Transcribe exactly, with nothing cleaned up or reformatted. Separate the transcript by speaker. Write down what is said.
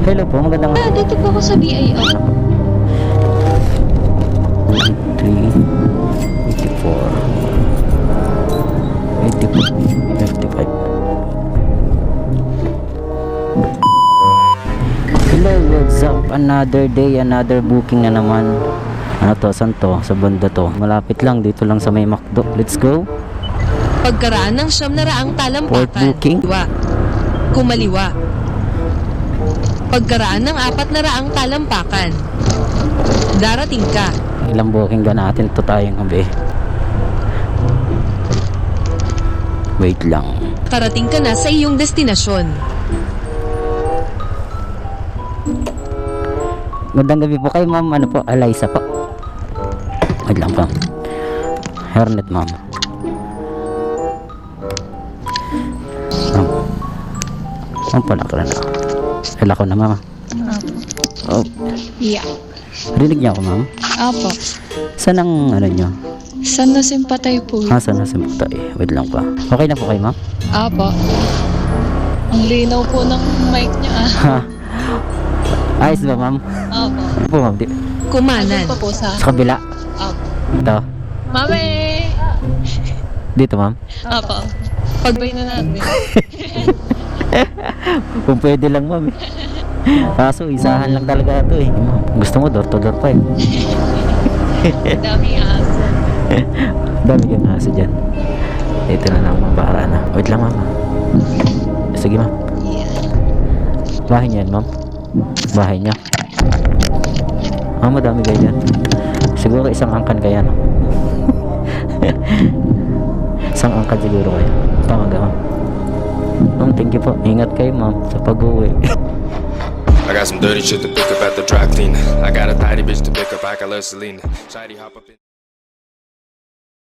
Speaker 1: Hello po, magandang...
Speaker 2: Ah, dito po ako sa B I R.
Speaker 1: three, eighty-four, eighty-five, fifty-five. Hello, what's up? Another day, another booking na naman. Ano to? Saan to? Sa banda to. Malapit lang, dito lang sa may McDo. Let's go.
Speaker 3: Pagkaraan ng siyam na raang
Speaker 1: Port
Speaker 3: talampakan,
Speaker 1: booking.
Speaker 3: kumaliwa. Kumaliwa. Pagkaraan ng apat na raang talampakan, darating ka.
Speaker 1: Ilang booking ba natin to tayong gabi? Wait lang.
Speaker 3: Karating ka na sa iyong destinasyon.
Speaker 1: Magandang gabi po kayo, ma'am. Ano po? Eliza po. Wait lang po. Hernet, ma'am. Ma'am. Ma'am pala ka na. Kala ko na, ma'am. Oh.
Speaker 2: Yeah.
Speaker 1: Rinig niyo ako, ma'am?
Speaker 2: Apo.
Speaker 1: Saan ang ano nyo?
Speaker 2: San na simpatay po?
Speaker 1: Ah, saan nasa puta eh. Wait lang pa. Okay na po kayo, ma'am?
Speaker 2: Apo. Ang linaw po ng mic niya ah.
Speaker 1: Ha? Ayos ba, ma'am?
Speaker 2: Apo.
Speaker 1: Ano po, ma'am? Di-
Speaker 3: Kumanan.
Speaker 2: Ano pa po sa...
Speaker 1: Sa kabila.
Speaker 2: Apo.
Speaker 1: Ito.
Speaker 2: Mami!
Speaker 1: Dito, ma'am.
Speaker 2: Apo. Pagbay na natin.
Speaker 1: Kung pwede lang, ma'am. eh. Kaso, isahan lang talaga ito eh. Gusto mo, door to door pa eh.
Speaker 2: Daming aso.
Speaker 1: Dami kang aso dyan. Ito na lang, ma'am. Para na. Wait lang, ma'am. Sige, ma'am.
Speaker 2: Yeah.
Speaker 1: Bahay niyan, ma'am. Bahay niya. Ah, madami kayo dyan. Siguro isang angkan kaya, no? Isang angkan siguro kayo. Pamaga, ma'am. Ma'am, thank you po. Ingat kayo, ma'am, sa pag-uwi.
Speaker 4: I got some dirty shit to pick up at the dry cleaner. I got a tidy bitch to pick up, I got less Selena. Shady hop up in